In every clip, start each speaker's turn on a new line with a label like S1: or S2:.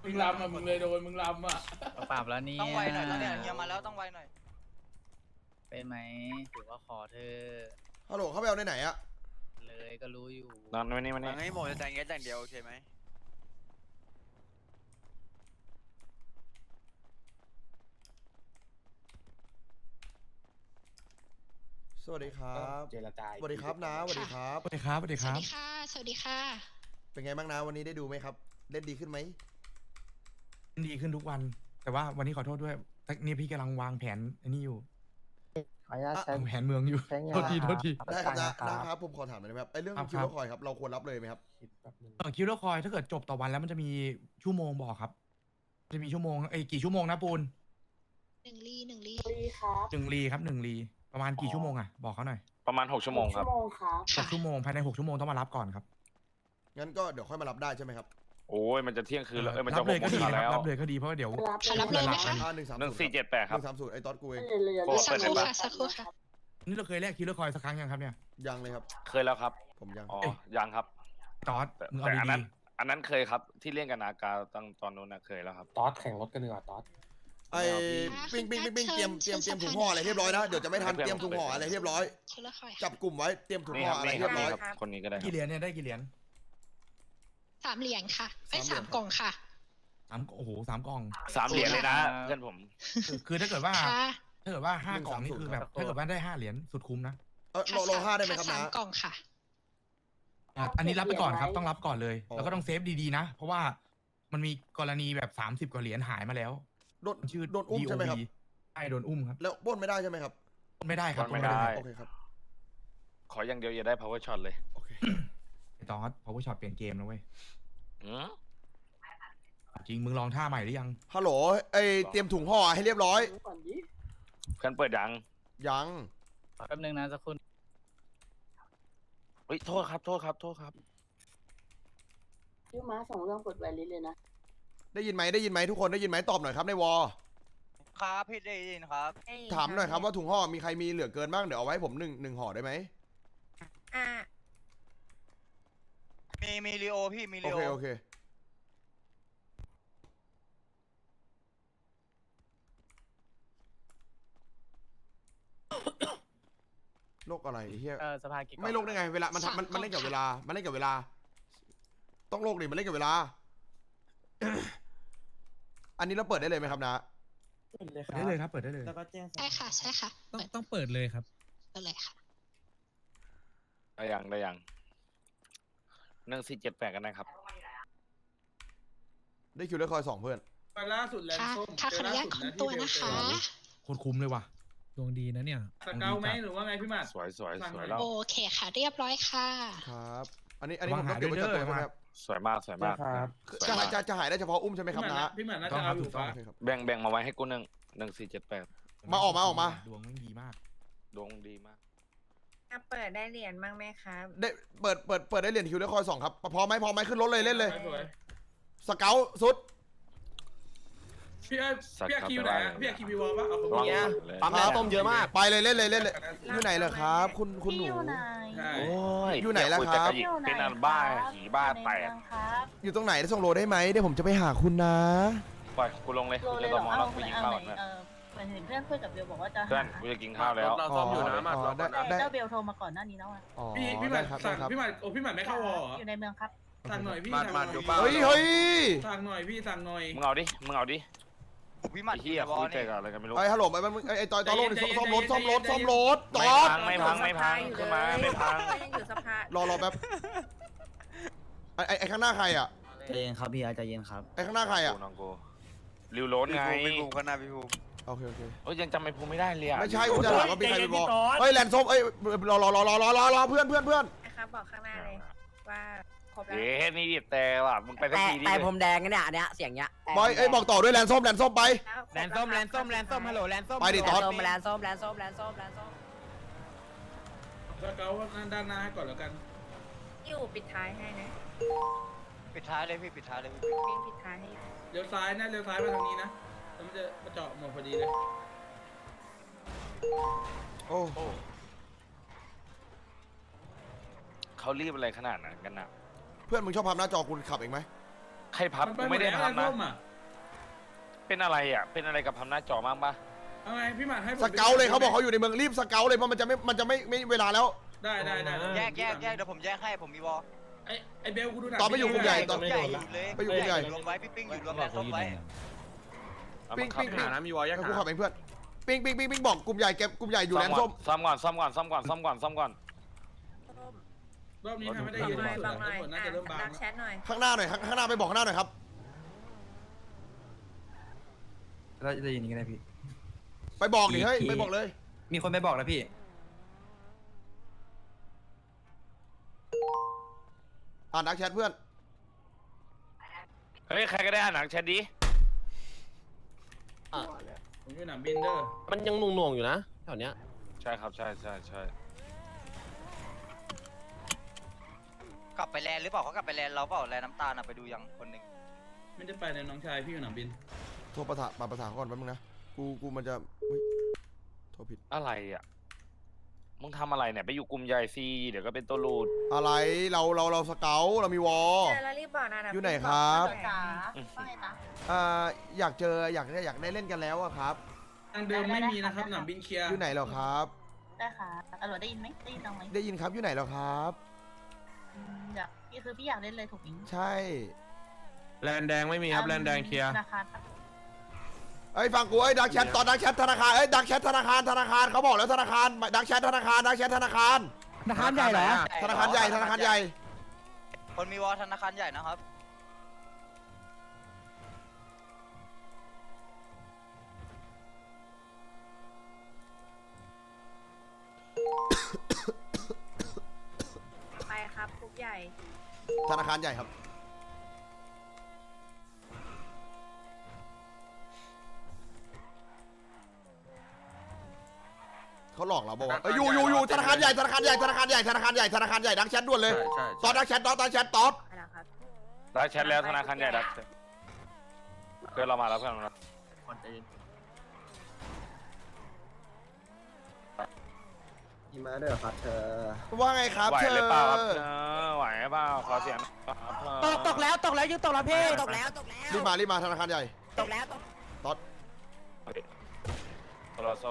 S1: มึงลำอ่ะมึงเลยโดนมึงลำอ่ะ
S2: ปรับแล้วนี่
S3: ต้องไวหน่อยแล้วเนี่ยเฮียมาแล้วต้องไวหน่อย
S2: เป็นไหมถือว่าขอเธอ
S4: ฮัลโหลเขาไปเอาในไหนอะ
S2: เลยก็รู้อยู่
S5: นอนไว้นี่มัน
S3: มั
S5: นี่
S3: นให้โมจะแต่งเงี้ยแต่งเดียวโอเคไหม
S4: สวัสดีครับ
S6: เจรจา
S4: สวัสดีครับนะสวัสดีครับ
S6: สวัสดีครับสวัสดี
S7: ส
S6: ค
S7: วั
S6: รั
S7: ส
S6: บ
S7: ดีค่ะ สวัสดีค่ะ
S4: เป็นไงบ้างนะวันนี้ได้ดูไหมครับ เล่นดีขึ้นไหม
S6: ดีขึ้นทุกวัน แต่ว่าวันนี้ขอโทษด้วยแต่นี่พี่กำลังวางแผนอันนี้อยู่
S8: ขออนุญาตใช้
S6: วางแผนเมืองอยู่
S8: ใช้งาน
S6: โทษทีโทษที
S4: ได้ครับนะ
S8: นะ
S4: นะครับผมขอถามหน่อยได้ไหมครับไอ้เรื่อง
S6: ครับ
S4: คิวเลอร์คอยครับเราควรรับเลยไหมครับ
S6: คิวเลอร์คอยถ้าเกิดจบต่อวันแล้วมันจะมีชั่วโมงบอกครับ จะมีชั่วโมงกี่ชั่วโมงนะปูน
S7: หนึ่งลีหนึ่งลี
S6: 1 ลีครับ1 ลีประมาณกี่ชั่วโมงอ่ะบอกเขาหน่อย
S5: ประมาณ6 ชั่วโมงครับ
S6: 6 ชั่วโมงภายใน6 ชั่วโมงต้องมารับก่อนครับ
S4: งั้นก็เดี๋ยวค่อยมารับได้ใช่ไหมครับ
S5: โอ้ยมันจะเที่ยงคืนแล้วมัน
S6: รั
S5: จะ
S6: บเลยก็ดี
S5: 6 โมง
S6: นะ
S5: แล้ว
S6: รับเลยก็ดีเพราะว่าเดี๋ยว
S7: ค่ะรับเลยไหมคะ
S5: 1478 ครับ
S4: 130ไอ้ต๊อดกูเอง
S5: โอ้
S7: สักครู่ค่ะ สักครู่ค่ะ
S6: นี่เราเคยแลกคิวเลอร์คอยสักครั้งยังครับเนี่ย
S4: ยังเลยครับ
S5: เคยแล้วครับ
S4: ผมยัง
S5: อ๋อยังครับ
S6: ตอส
S5: แต่
S6: มึงเอา
S5: แต่อัน
S6: ดี
S5: นั้นเคยครับที่เล่นกับนากาตอนนู้นนะเคยแล้วครับ
S6: ๆตอสแข่งรถกันดีกว่าตอส
S4: ไอ้ปิ้งเตรียมถุงห่ออะไรเรียบร้อยนะเดี๋ยวจะไม่ทันเตรียมถุงห่ออะไรเรียบร้อย
S7: คิวละคอย
S4: จับกลุ่มไว้เตรียมถุง
S5: นี่
S4: ห่
S5: ค
S4: อ
S5: รับ
S4: อะไร
S5: นี่ค
S4: เรี
S5: รั
S4: ย
S5: บบ
S4: ร้อย
S5: คนนี้ก็ได้ค
S6: กี่
S5: รับ
S6: เหรียญเนี่ยได้กี่เหรียญ
S7: 3 เหรียญค่ะไอ้
S4: สามเหรียญ
S7: 3 กล่องค่ะ
S6: โอ้โห3 กล่อง
S5: 3 เหรียญเลยนะเพื่อนผม
S6: คือถ้าเกิดว่า
S7: ค่ะ
S6: ถ้าเกิดว่า5 กล่องนี่คือแบบถ้าเกิดว่าได้5 เหรียญสุดคุ้มนะ
S4: โลห้าได้ไหมครับ
S7: สา
S4: นะ
S7: มกล่องค่ะ
S6: อันนี้รับไปก่อนครับต้องรับก่อนเลย
S4: อ๋อ
S6: แล้วก็ต้องเซฟดีๆนะ เพราะว่ามันมีกรณีแบบ30 กว่าเหรียญหายมาแล้ว
S4: โดน
S6: ชื่อ
S4: โดนอุ้มใช่ไหมครับ
S6: DOB ใช่โดนอุ้มครับ
S4: แล้วปล้นไม่ได้ใช่ไหมครับ
S6: ไม่ได้ครับ
S5: ไม่ได้
S4: โอเคครับ
S5: ขออย่างเดียวอย่าได้ power shot เลย
S4: โอเค
S6: ไอ้ตอสพาวเวอร์ช็อตเปลี่ยนเกมนะเว้ย
S5: หือ
S6: จริงมึงลองท่าใหม่หรือยัง
S4: ฮัลโหลไอ้เตรียมถุงห่อให้เรียบร้อย
S5: เพื่อนเปิดยัง
S4: ยัง
S2: แป๊บนึงนะสักครู่
S5: เฮ้ยโทษครับ
S9: พี่ม้าส่งเรื่องกดไวลิสเลยนะ
S4: ได้ยินไหมทุกคนได้ยินไหมตอบหน่อยครับในวอ
S3: ครับพี่ได้ยินครับ
S4: ถามหน่อยครับว่าถุงห่อมีใครมีเหลือเกินบ้างเดี๋ยวเอาไว้ให้ผมหนึ่งห่อได้ไหม
S3: มีลีโอพี่มี
S4: โอ
S3: ลีโอ
S4: เคโอเคโรคอะไรไอ้เฮีย
S2: สภากี่กล่อง
S4: ไม่โรคได้ไงเวลามัน
S7: สาม
S4: มันเล่นกับ
S7: กล่อง
S4: เวลามันเล่นกับเวลา ต้องโรคดิมันเล่นกับเวลา อันนี้เราเปิดได้เลยไหมครับนะ
S6: ได้เลยครับเปิดได้เลย
S8: แล้วก็แจ้ง
S7: ใช่ค่ะ ใช่ค่ะ
S6: ต้องเปิดเลยครับ
S7: เปิดเลยค่ะ
S5: ได้ยัง1478กันนะครับ
S4: ได้คิวเลอร์คอย2เพื่อน
S1: มาล่าสุดแลน
S7: ค่ะ
S1: ส้ม
S7: ค่ะขออนุญาตคุมตัวนะคะ
S6: โคตรคุ้มเลยว่ะ
S10: ดวงดีนะเนี่ย
S1: สเกลไหมหรือว่าไงพี่หมัด
S5: สวย
S1: สั่งหน่อย
S5: แล้ว
S7: โอเคค่ะ เรียบร้อยค่ะ
S4: ครับ อันนี้ผมต้องเก็บไว้จัดตัวใช่ไหมครับ
S5: สวยมาก
S6: ครับ
S4: จะหายได้เฉพาะอุ้มใช่ไหมครับนะ
S1: พี่หมัดน่าจะเอาอยู่
S6: ต้อ
S1: ปะ
S6: ง
S4: โอเคครับ
S5: แบ่งมาไว้ให้กู1478
S4: มาออกมา
S6: ดวงมันดีมาก
S5: ดวงดีมาก
S9: เปิดได้เหรียญบ้างไหมครับ
S4: ได้เปิดได้เหรียญคิวเลอร์คอย2ครับพอไหมขึ้นรถเลยเล่นเลย
S1: สวย
S4: สเกลสุด
S1: พี่อาคิวไหนอะพี่อาคิวมีวอลปะเอาของ
S5: ระวัง
S1: พี่
S5: เลย
S6: ปั๊มแล้วต้มเยอะมาก
S4: ไปเลยเล่นเลยอยู่ไหนเหรอครับ คุณหนู
S1: ใช่
S5: โอ้ย
S4: อยู่ไหนล่ะครับ
S5: เดี๋ยวคุยแต่กะหยิกเป็นอันบ้าหีบ้าแตก
S4: อยู่ตรงไหนส่งโลได้ไหมเดี๋ยวผมจะไปหาคุณนะ
S5: ปล่อยกูลงเลยกูจะตอมองแล้วกูยิงข้าวก่อนนะ
S9: เหมือนเห็นเพื่อนคุยกับเบลบอกว่าจะ
S5: เพื่อนกูจะกินข้าวแล้ว
S4: เราซ่อมอยู่นะมาได้
S9: เจ้าเบลโทรมาก่อนหน้านี้แล้วอ่ะ
S4: อ๋อ
S1: พี่หมั
S4: ได้
S1: ด
S4: ครับ
S1: สั่
S4: ได้
S1: ง
S4: ครับ
S1: พี่หมัดโอ้พี่หมัดไม่เข้าวอลเหรอ
S9: อยู่ในเมืองครับ
S1: สั่งหน่อยพี่สั่งหน่อย
S4: เฮ้ย
S1: สั่งหน่อยพี่สั่งหน่อย
S5: มึงเอาดิ
S3: พี่หมัด
S5: ไอ้เหี้ย
S3: บอ
S5: คุ
S3: ล
S5: ยแต่
S3: นี่
S5: กับอะไรกันไม่รู้
S4: ไอ้ฮัลโหลไอ้ตอยตอลงซ่อมรถจอด
S5: ไม่พังขึ้นมาไม่พัง
S9: ยังอยู่สภาร
S4: อแป๊บไอ้ข้างหน้าใครอ่ะ
S2: ใจเย็นครับพี่ใจเย็นครับ
S4: ไอ้ข้างหน้าใครอ่ะ
S5: กูน้องกูริวโรนไง
S3: พี่ภูมิก็น่าพี่ภูมิ
S4: โอเค
S5: โอ้ยยังจำไอ้ภูมิไม่ได้เลยอ่ะ
S4: ไม่ใช่กูจะถามว่ามีใครไปบอกเฮ้ยแลนส้มเอ้ยรอเพื่อน
S9: นะครับบอกข้างหน้าเลยว่าครบแล้ว
S5: เย้นี่ดิแต่ว่ะมึงไปสักทีดิ
S8: แต่ผมแดงเนี่ยอันเนี้ยเสียงเนี้ย
S4: บอยบอกต่อด้วยแลนส้มไป
S8: แลนส้มฮัลโหลแลนส้ม
S4: ไปดิตอด
S8: แลนส้ม
S1: สเกลด้านหน้าให้ก่อนแล้วกัน
S9: อยู่ปิดท้ายให้นะ
S3: ปิดท้ายเลยพี่ปิดท้ายเลยพี่
S9: วิ่งปิดท้ายให้
S1: เลี้ยวซ้ายนะเลี้ยวซ้ายมาทางนี้นะแล้วมันจะมาเจาะหมดพอดีเลย
S4: โอ้
S5: เขารีบอะไรขนาดนั้นกันน่ะ
S4: เพื่อนมึงชอบพับหน้าจอคุณขับเองไหม
S5: ใครพับ
S1: มัน
S5: กูไม่ได้
S1: หด
S5: พับ
S1: แล้ว
S5: นะ
S1: ร่มอ่ะ
S5: เป็นอะไรอ่ะเป็นอะไรกับพับหน้าจอมั้งปะ
S1: เอาไงพี่หมัดให้ผม
S4: สเกลเลยเขาบอกเขาอยู่ในเมืองรีบสเกลเลยเพราะมันจะไม่เวลาแล้ว
S1: ได้
S3: แยกเดี๋ยวผมแยกให้ผมมีวอล
S1: ไอเบลกูดูหนัง
S4: ตอนไม่อยู่กลุ่มใหญ่ตอน
S3: ใหญ่อยู่เลย
S4: ไปอยู่กลุ่มใหญ่
S3: รวมไว้พี่ปิ้งอยู่รวมแลนส้มไว้
S5: เอา
S4: ปิ้
S5: มาง ขับ
S4: ปิ้ง
S5: หานะมีวอลยั
S4: ให้
S5: ก
S4: กู
S5: ษ์
S4: ขับเองเพื่อนปิ้งบอกกลุ่มใหญ่เก็บกลุ่มใหญ่อยู่แลนส้ม
S5: ซ้ำก่อน
S1: รอบนี้ทำไม่ได้ยิน
S9: บอกหน่อย
S1: น่าจะเริ่มบาง
S9: รักแชทหน่อย
S4: ข้างหน้าหน่อยข้างหน้าไปบอกข้างหน้าหน่อยครับ
S10: เราจะยินยังไงพี่
S4: ไปบอกดิเฮ้ยไปบอกเลย
S10: มีคนไปบอกแล้วพี่
S4: อ่านดักแชทเพื่อน
S5: เฮ้ยใครก็ได้อ่านหนังแชทดิ
S1: ผมอยู่หนังบินเดอร์
S8: มันยังหน่วงๆอยู่นะแถวเนี้ย
S5: ใช่ครับใช่
S3: กลับไปแลนหรือเปล่าเขากลับไปแลนเราเปล่าแลนน้ำตาลไปดูยังคนหนึ่ง
S1: ไม่ได้ไปในน้องชายพี่อยู่หนังบิน
S4: โทรประสานก่อนแป๊บนึงนะกูมันจะโทรผิด
S5: อะไรอ่ะมึงทำอะไรเนี่ยไปอยู่กลุ่มใหญ่ซีเดี๋ยวก็เป็นตัวรูด
S4: อะไรเราสเกลเรามีวอล
S9: เจอแล้วรีบบอกนะ
S4: อยู่ไหนครับ
S9: จ๋าว่าไงจ๊ะ
S4: อยากเจออยากได้เล่นกันแล้วอะครับ
S1: ทางเดิมไม่มีนะครับหนังบินเคลียร์
S4: อยู่ไหนเหรอครับ
S9: ได้ค่ะตำรวจได้ยินไหมได้ยินตรงไหม
S4: ได้ยินครับอยู่ไหนเหรอครับ
S9: อยากพี่อยากเล่นเลยถูกไหม
S4: ใช่
S8: แลนแดงไม่มีครับแลนแดงเคลียร์
S9: ธนาคาร
S4: เอ้ยฟังกูดักแชทตอนดักแชทธนาคารดักแชทธนาคารเขาบอกแล้วธนาคารดักแชทธนาคาร
S6: ธนาคารใหญ่เหรอ
S4: ธนาคารใหญ่
S3: คนมีวอลธนาคารใหญ่นะครับ
S9: ไปครับคุกใหญ่
S4: ธนาคารใหญ่ครับเขาหลอกเราบอกว่าอยู่ธนาคารใหญ่ดักแชทด่วนเลยตอนดักแชทตอน
S9: ไปแล้วครับ
S5: ได้แชทแล้วธนาคารใหญ่ดักเพื่อนเรามาแล้วเพื่อนเรา
S10: มาด้วยครับเธอ
S4: ว่าไงครับ
S5: ไหว
S4: เธอ
S5: หรือเปล่าครับไหวหรือเปล่าขอเสียงครับ
S6: ตกแล้วยังตกแล้วพี่
S8: ตกแล้ว
S4: รีบมาธนาคารใหญ่
S8: ตกแล้ว
S4: ตอน
S5: รอ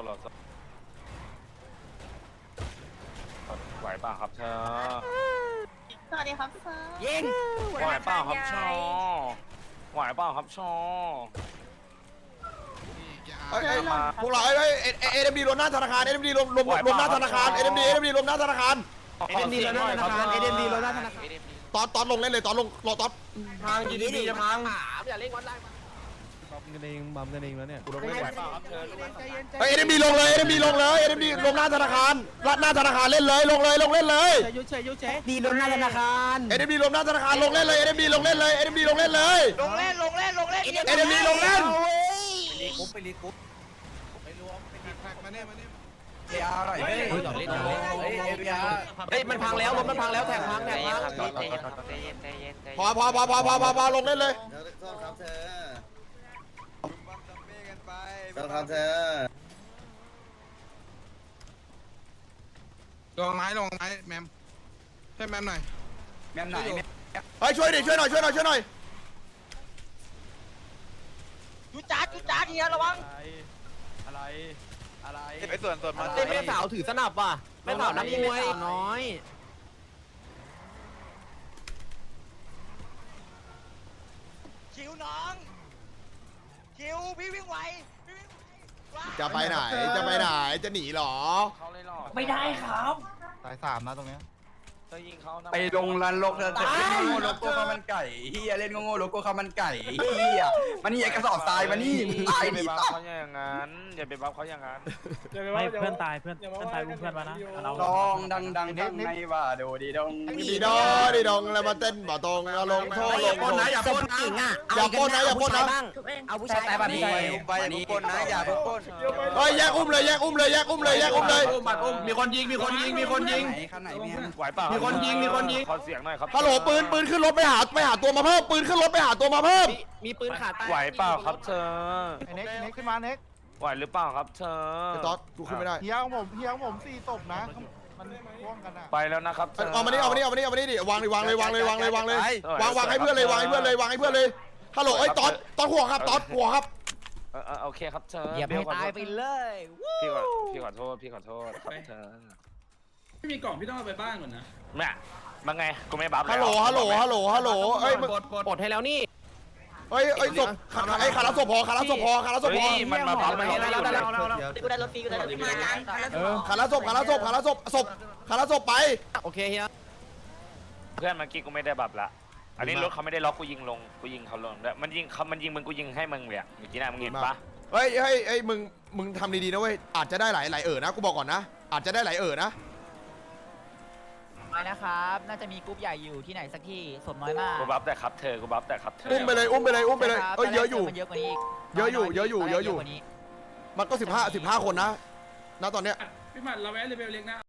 S5: ไหวเปล่าครับเธอ
S9: สวัสดีครับเซอร์
S8: ยิง
S5: ไหวเปล่าครับชอไหวเปล่าครับชอ
S4: พวกเราเอ็มดีรวมหน้าธนาคารเอ็มดีรวมหน้าธนาคารเอ็มดีรวมหน้าธนาคาร
S6: SMD ลงหน้าธนาคาร SMD ลงหน้าธนาคาร
S4: ตอนลงเล่นเลยตอนลงรอตอน
S8: พังยินดีจะพังอย่าเล่นวันไล่
S10: บัมกันเองแล้วเนี่ย
S5: ไหวเปล่าครับเธอ
S4: เอ็มดีลงเลยเอ็มดีรวมหน้าธนาคารเล่นเลยลงเล่นเลย
S6: ดีลงหน้าธนาคาร
S4: เอ็มดีรวมหน้าธนาคารลงเล่นเลยเอ็มดีลงเล่นเลย
S3: ลงเล่น
S4: เอ็มดีลงเล่น
S8: เฮ้ยมันพังแล้วรถมันพังแล้วแท็กพัง
S3: ใจเย็นครับ
S4: พอลงเล่นเลย
S1: ลงไม้แมมให้แมมหน่อย
S4: เฮ้ยช่วยหน่อย
S3: จุจ๊าเฮียระวัง
S10: ไอ้ส่วนมา
S8: แม่สาวถือสนับว่ะแม่สาวนักมวยน้อย
S3: คิวน้องคิวพี่วิ่งไว
S4: จะไปไหนจะหนีหรอ
S5: เขาเลยหรอ
S2: ไม่ได้ครับ
S10: สาย3นะตรงเนี้ย
S5: เธอยิงเขา
S10: ไปลงรันโลกเธอจะเล่นโง่โลโก้ข้าวมันไก่เฮียเล่นโง่โลโก้ข้าวมันไก่เฮียมันนี่กระสอบทรายมานี่ตาย
S5: ไป
S10: ดิ
S5: บัฟเขาอย่างนั้นอย่าไปบัฟเขาอย่างนั้น
S2: ไม่เพื่อนตายเพื่อนตายเพื่อนมานะเรา
S10: ดองดังในว่าโดดีดอง
S4: ดีดองแล้วมาเต้นบ่ตรงลงโทษลง
S8: ปนนะอย่าปนจริงอ่ะเอาผู้ชายบ้าง
S9: ทุกเอง
S8: เอาผู้ชายแบบนี้
S10: ไปปนนะอย่าปน
S4: เฮ้ยแยกอุ้มเลย
S8: มีคนยิง
S10: ข้างไหนเนี่ย
S5: ไหวเปล่า
S8: มีคนยิง
S5: ขอเสียงหน่อยครับ
S4: ฮัลโหลปืนขึ้นรถไปหาตัวมาเพิ่มปืนขึ้นรถไปหาตัวมาเพิ่ม
S8: มีปืนขาใต้
S5: ไหวเปล่าครับเธอ
S10: เน็กขึ้นมาเน็ก
S5: ไหวหรือเปล่าครับเธอ
S4: ไอ้ต๊อดกูขึ้นไม่ได้
S10: เฮียของผม4ศพนะ
S2: มันพ่วงกันอ่ะ
S5: ไปแล้วนะครับ
S4: เอามานี่เอามานี่เอามานี่เอามานี่ดิวางเลยวางเลยวางเลยวางเลยวางเลยวางให้เพื่อนเลยวางให้เพื่อนเลยวางให้เพื่อนเลยฮัลโหลเอ้ยตอนหัวครับตอนหัวครับ
S5: โอเคครับเธอ
S2: อย่าไปตายไปเลย
S5: พี่ขอโทษครับเธอ
S1: ไม่มีกล่องพี่ต้องเอาไปบ้านก่อนนะ
S5: แม่มาไงกูไม่บัฟแล้ว
S4: ฮัลโหลฮัลโหลฮัลโหลฮัลโหลเอ้ย
S8: ปลดให้แล้วนี่
S4: เอ้ยศพไอ้ขาละศพพอขาละศพพอขาละศพพอ
S5: มันมาบัฟมันไม่หยุดเลย
S9: กูได้รถฟรีกูได้รถฟรีมากัน
S4: ขาละศพขาละศพขาละศพศพขาละศพไป
S8: โอเคเฮีย
S5: เพื่อนเมื่อกี้กูไม่ได้บัฟละอันนี้รถเขาไม่ได้ล็อกกูยิงลงกูยิงเขาลงด้วยมันยิงมึงกูยิงให้มึงเลยเมื่อกี้นะมึงเห็นปะ
S4: เฮ้ยมึงทำดีๆนะเว้ยอาจจะได้หลายนะกูบอกก่อนนะอาจจะได้หลายนะ
S2: ไปนะครับ น่าจะมีกรุ๊ปใหญ่อยู่ที่ไหนสักที่สมน้อยมาก
S5: กูบัฟแต่ครับเธอกูบัฟแต่ครับเธอ
S4: อุ้มไปเลยเอ้ยเยอะอยู่
S2: มันเยอะกว่านี้อีก
S4: เยอะอยู่มันก็15คนนะณตอนเนี้ย
S1: พี่หมัดเราแวะเรเบลเล็กนะ